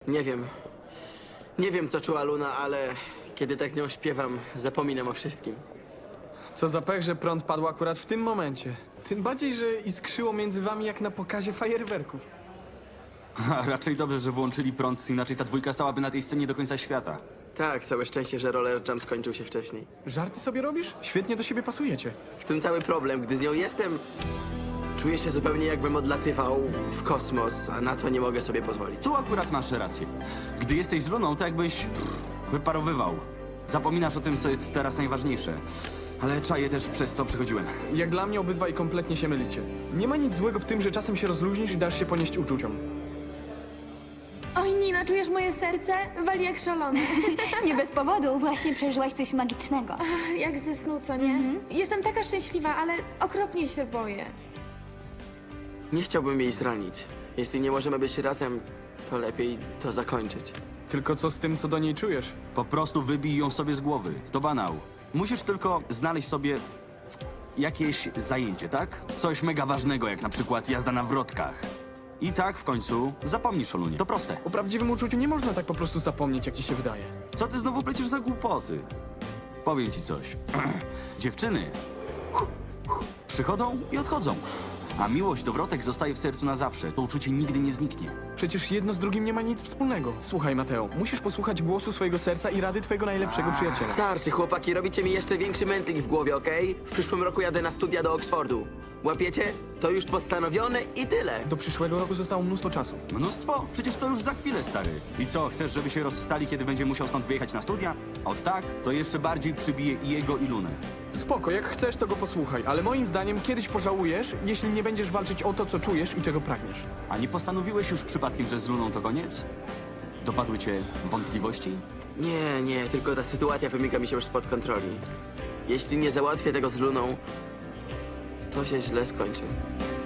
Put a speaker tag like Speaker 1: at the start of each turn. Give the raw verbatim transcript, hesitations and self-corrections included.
Speaker 1: Nie wiem. Nie wiem, co czuła Luna, ale kiedy tak z nią śpiewam, zapominam o wszystkim.
Speaker 2: Co za pech, że prąd padł akurat w tym momencie. Tym bardziej, że iskrzyło między wami jak na pokazie fajerwerków.
Speaker 3: A raczej dobrze, że włączyli prąd, inaczej ta dwójka stałaby na tej scenie do końca świata.
Speaker 1: Tak, całe szczęście, że roller jump skończył się wcześniej.
Speaker 2: Żarty sobie robisz? Świetnie do siebie pasujecie.
Speaker 1: W tym cały problem, gdy z nią jestem, czuję się zupełnie jakbym odlatywał w kosmos, a na to nie mogę sobie pozwolić.
Speaker 3: Tu akurat masz rację. Gdy jesteś z Luną, to jakbyś pff, wyparowywał. Zapominasz o tym, co jest teraz najważniejsze. Ale czaję też przez to przechodziłem.
Speaker 2: Jak dla mnie obydwaj kompletnie się mylicie. Nie ma nic złego w tym, że czasem się rozluźnisz i dasz się ponieść uczuciom.
Speaker 4: Oj, Nina, czujesz moje serce? Wali jak szalone.
Speaker 5: Nie bez powodu, właśnie przeżyłaś coś magicznego.
Speaker 4: Jak ze snu, co nie? Jestem taka szczęśliwa, ale okropnie się boję.
Speaker 1: Nie chciałbym jej zranić. Jeśli nie możemy być razem, to lepiej to zakończyć.
Speaker 2: Tylko co z tym, co do niej czujesz?
Speaker 3: Po prostu wybij ją sobie z głowy. To banał. Musisz tylko znaleźć sobie jakieś zajęcie, tak? Coś mega ważnego, jak na przykład jazda na wrotkach. I tak w końcu zapomnisz o Lunie. To proste.
Speaker 2: O prawdziwym uczuciu nie można tak po prostu zapomnieć, jak ci się wydaje.
Speaker 3: Co ty znowu plecisz za głupoty? Powiem ci coś. Dziewczyny przychodzą i odchodzą. A miłość do wrotek zostaje w sercu na zawsze. To uczucie nigdy nie zniknie.
Speaker 2: Przecież jedno z drugim nie ma nic wspólnego. Słuchaj, Mateo, musisz posłuchać głosu swojego serca i rady twojego najlepszego przyjaciela.
Speaker 1: Starczy, chłopaki, robicie mi jeszcze większy mętlik w głowie, okej? W przyszłym roku jadę na studia do Oxfordu. Łapiecie? To już postanowione i tyle.
Speaker 2: Do przyszłego roku zostało mnóstwo czasu.
Speaker 3: Mnóstwo? Przecież to już za chwilę, stary. I co, chcesz, żeby się rozstali, kiedy będzie musiał stąd wyjechać na studia? A od tak, to jeszcze bardziej przybije i jego, i Lunę.
Speaker 2: Spoko, jak chcesz, to go posłuchaj, ale moim zdaniem kiedyś pożałujesz, jeśli nie będziesz walczyć o to, co czujesz i czego pragniesz.
Speaker 3: A nie postanowiłeś już przypadkiem, że z Luną to koniec? Dopadły cię wątpliwości?
Speaker 1: Nie, nie, tylko ta sytuacja wymyka mi się już spod kontroli. Jeśli nie załatwię tego z Luną, to się źle skończy.